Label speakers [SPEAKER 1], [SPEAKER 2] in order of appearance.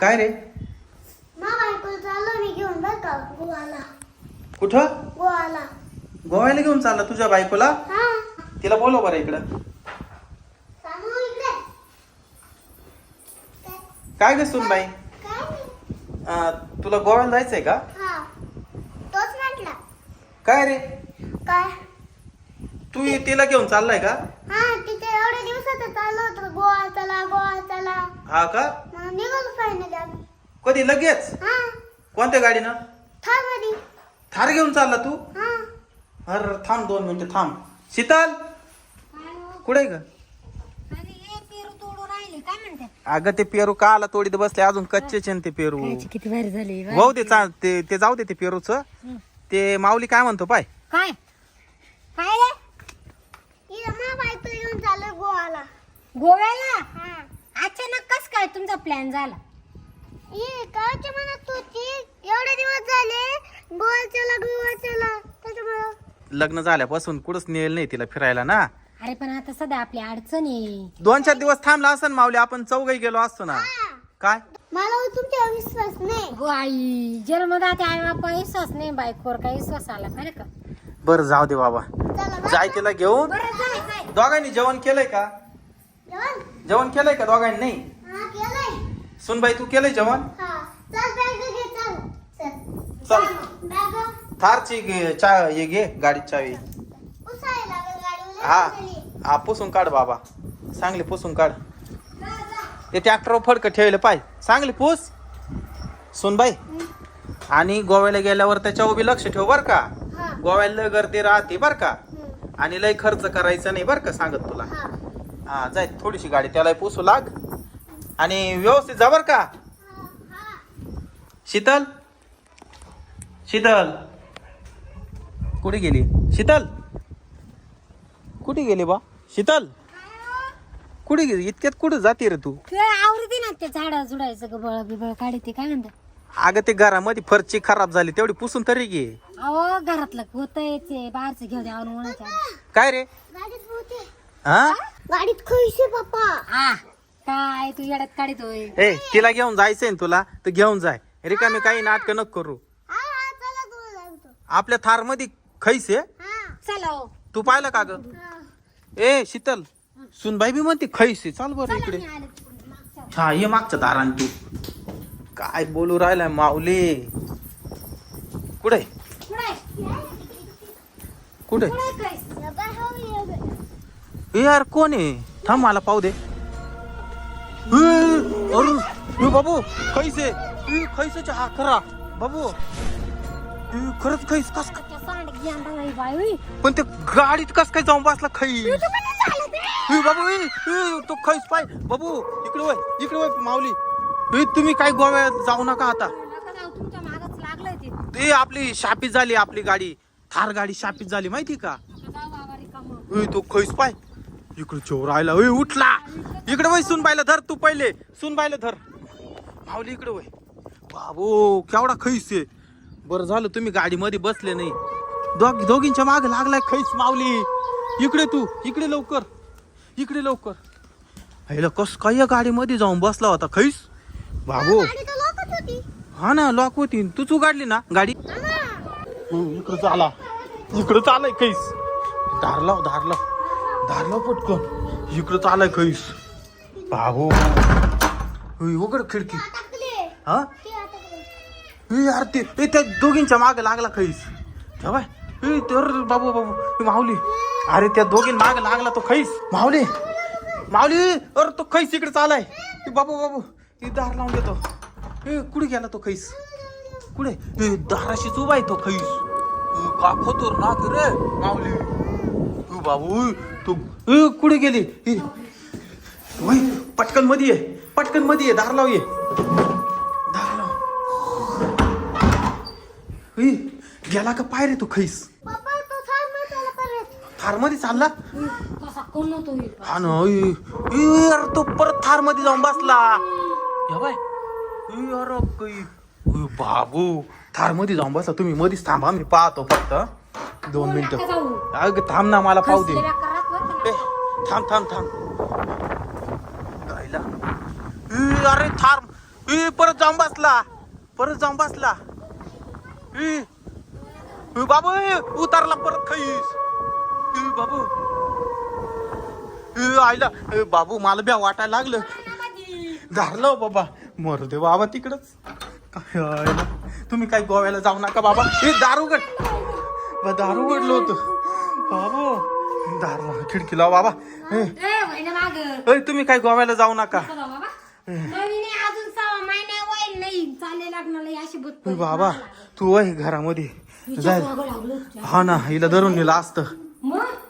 [SPEAKER 1] काय रे?
[SPEAKER 2] बायकोला चाललो मी घेऊन बर का गोवाला.
[SPEAKER 1] कुठं?
[SPEAKER 2] गोवाला.
[SPEAKER 1] गोव्याला घेऊन चालला तुझ्या बायकोला?
[SPEAKER 2] हा.
[SPEAKER 1] तिला बोलव बरं इकडं.
[SPEAKER 2] सांगू इकडे.
[SPEAKER 1] काय ग सुनबाई?
[SPEAKER 2] काय?
[SPEAKER 1] तुला गोव्याला जायचंय का?
[SPEAKER 2] हा. तोच म्हटला.
[SPEAKER 1] काय रे?
[SPEAKER 2] काय?
[SPEAKER 1] तू तिला घेऊन चाललाय का?
[SPEAKER 2] हा तिथे एवढ्या दिवसात चाललो होतो गोवा चला गोवा चला.
[SPEAKER 1] हा का?
[SPEAKER 2] मग निघालो फायनली आम्ही.
[SPEAKER 1] कधी लगेच?
[SPEAKER 2] हा.
[SPEAKER 1] कोणत्या गाडीनं?
[SPEAKER 2] थांब मध्ये.
[SPEAKER 1] थार घेऊन चालला तू?
[SPEAKER 2] हा.
[SPEAKER 1] अरे थांब 2 मिनिटं थांब. शीतल कुठे ग? अगं ते पेरू का आला तोडीत बसले अजून कच्चेच आहे ना ते पेरू.
[SPEAKER 3] किती भारी झाली.
[SPEAKER 1] भाऊ ते जाऊ दे ते पेरूच. ते माऊली काय म्हणतो पाय?
[SPEAKER 3] काय काय रे?
[SPEAKER 2] इथं बायकोला घेऊन चाललो गोवाला.
[SPEAKER 3] गोव्याला?
[SPEAKER 2] हा.
[SPEAKER 3] अचानक कस काय तुमचा प्लॅन झाला?
[SPEAKER 2] ये काच्या मनात होती एवढे दिवस झाले गोवा चला त्याच्यामुळं.
[SPEAKER 1] लग्न झाल्यापासून कुठंच नेल नाही तिला फिरायला ना.
[SPEAKER 3] अरे पण आता सध्या आपली अडचण आहे.
[SPEAKER 1] 2-4 दिवस थांबला असं माऊली आपण चौघही गेलो असतो ना. काय?
[SPEAKER 2] मला तुमच्यावर विश्वास नाही.
[SPEAKER 3] गो आई जन्मदाते आई बापा विश्वास नाही, बायकोवर काही विश्वास आला खरं का?
[SPEAKER 1] बरं जाऊ दे बाबा.
[SPEAKER 2] चला बा.
[SPEAKER 1] जाय तिला घेऊन.
[SPEAKER 3] बरं जाय.
[SPEAKER 1] दोघांनी जेवण केलंय का? जेवण केलंय का दोघांनी? नाही.
[SPEAKER 2] हा केलंय.
[SPEAKER 1] सुनबाई तू केलंय जेवण?
[SPEAKER 2] हा. चल बॅग घे चल.
[SPEAKER 1] चल
[SPEAKER 2] बॅग
[SPEAKER 1] थारची हे घे गाडीची चावी.
[SPEAKER 2] उसायला लागेल गाडीवर.
[SPEAKER 1] हा पुसून काढ बाबा, चांगली पुसून काढ. ते ट्रॅक्टर फडकं ठेवलं पाय, चांगली पुस सुनबाई. आणि गोव्याला गेल्यावर त्याच्या उभी लक्ष ठेव बर का.
[SPEAKER 2] हा.
[SPEAKER 1] गोव्याला गर्दी राहते बर का. आणि लय खर्च करायचा नाही बर का सांगत तुला.
[SPEAKER 2] हा.
[SPEAKER 1] हा जाय थोडीशी गाडी त्याला पुसू लाग आणि व्यवस्थित जा बर का. शीतल शीतल कुठे गेली? शीतल कुठे गेली बा? शीतल कुठे गेली? इतक्यात कुठे जाते रे तू?
[SPEAKER 3] ते आवडते ना ते झाडा झुडायचं गबळ बिबळ काढते काय म्हणतात.
[SPEAKER 1] अगं ते घरामध्ये फरची खराब झाली तेवढी पुसून तरी घे.
[SPEAKER 3] अहो घरातलं होतंय ते बाहेरचं घेऊ द्या उन्हाच्या.
[SPEAKER 1] काय रे?
[SPEAKER 2] गाडीत होते.
[SPEAKER 1] हा
[SPEAKER 2] गाडीत खैसे पप्पा.
[SPEAKER 3] आ काय तू येड्यात काढतोय?
[SPEAKER 1] ए तिला घेऊन जायचंय ना तुला तर घेऊन जाय. रिकामी काही नाटक नको करू.
[SPEAKER 2] हा हा चला तू जातो.
[SPEAKER 1] आपल्या थार मध्ये खैसे
[SPEAKER 2] हा.
[SPEAKER 3] चला हो.
[SPEAKER 1] तू पाहिलं का ग?
[SPEAKER 2] हा.
[SPEAKER 1] ए शीतल सुनबाई बी म्हणते खैसे. चाल बरं इकडे.
[SPEAKER 3] मी आले तिकडून मागच्या.
[SPEAKER 1] हा ये मागच्या दारान तू. काय बोलू राहिलाय माऊली? कुठे
[SPEAKER 3] कुठे
[SPEAKER 1] कुठे?
[SPEAKER 3] कुठे काय?
[SPEAKER 2] या बाय हो ये बाय.
[SPEAKER 1] ए यार कोण आहे? थांब मला पाहू दे. अरे बाबू खैसे खैसेचा हा खरा बाबू. खरंच खैस कस काय?
[SPEAKER 3] त्या सांड घ्यान बाई बाई होई.
[SPEAKER 1] पण ते गाडीत कस काय जाऊन बसला खैस? बाबू तो खैस पाय बाबू. इकडे वय माऊली. तुम्ही काय गोव्यात जाऊ नका आता.
[SPEAKER 3] नका जाऊ, तुमच्या मागच लागलंय ते.
[SPEAKER 1] ते आपली शापीत झाली आपली गाडी. थार गाडी शापीत झाली माहिती का?
[SPEAKER 3] नका जाऊ बाबा रिकामं.
[SPEAKER 1] तो खैस पाय इकडे चोर राहिला. उठला इकडे वय. सुनबाईला धर तू पहिले. सुनबाईला धर माऊली. इकडे वय बाबू. केवढा खैस आहे. बरं झालं तुम्ही गाडीमध्ये बसले नाही. दोघींच्या मागे लागलाय खैस माऊली. इकडे तू इकडे लवकर. इकडे लवकर. ह्याला कस काय या गाडीमध्ये जाऊन बसला होता खैस बाबू.
[SPEAKER 2] गाडी तर लोकच होती.
[SPEAKER 1] हा ना लॉक होती. तूच उघडली ना गाडी. इकडे चाला. इकडे चालाय खैस. धारला पटकन. इकडे चालाय खैस बाबू. उघड खिडकी.
[SPEAKER 2] टाकले.
[SPEAKER 1] हा
[SPEAKER 2] ते अटकले.
[SPEAKER 1] यार ते त्या दोघींच्या मागे लागला खैस. ठेवाय तर बाबू माऊली. अरे त्या दोघीं मागे लागला तो खैस माऊली. अरे तो खैस इकडे चालाय. बाबू ती दार लावून देतो. कुठे गेला तो खैस? कुठे? दाराशीच उभा आहे तो खैस. का खोतोर ना रे माऊली. बाबू तू कुठे गेली? पटकन मध्ये ये. दार लाव. गेला का पाय रे तू खैस?
[SPEAKER 2] पप्पा तो थांब ना त्याला परत.
[SPEAKER 1] थार मध्ये चालला.
[SPEAKER 3] कसा कोण होतो हे?
[SPEAKER 1] हा ना. यार तो परत थार मध्ये जाऊन बसला. या बाय यार बाबू थार मध्ये जाऊन बसला. तुम्ही मध्येच थांबा मी पाहतो फक्त 2 मिनिटं.
[SPEAKER 3] नका जाऊ.
[SPEAKER 1] अगं थांब ना मला पाहू दे.
[SPEAKER 3] खसलेल्या करात बरं का?
[SPEAKER 1] थांब. गायला. अरे थार परत जाऊन बसला बाबू उतारला परत खैस बाबू आईला बाबू मला ब्या वाटायला लागलं धरलं बाबा मरू दे बाबा तिकडच तुम्ही काय गोव्याला जाऊ नका बाबा हे दारू उघडलं होतं बाबू दारू खिडकी लाव बाबा तुम्ही काय गोव्याला जाऊ नका बाबा तू वय घरामध्ये जाय हा ना हिला धरून नेला असतं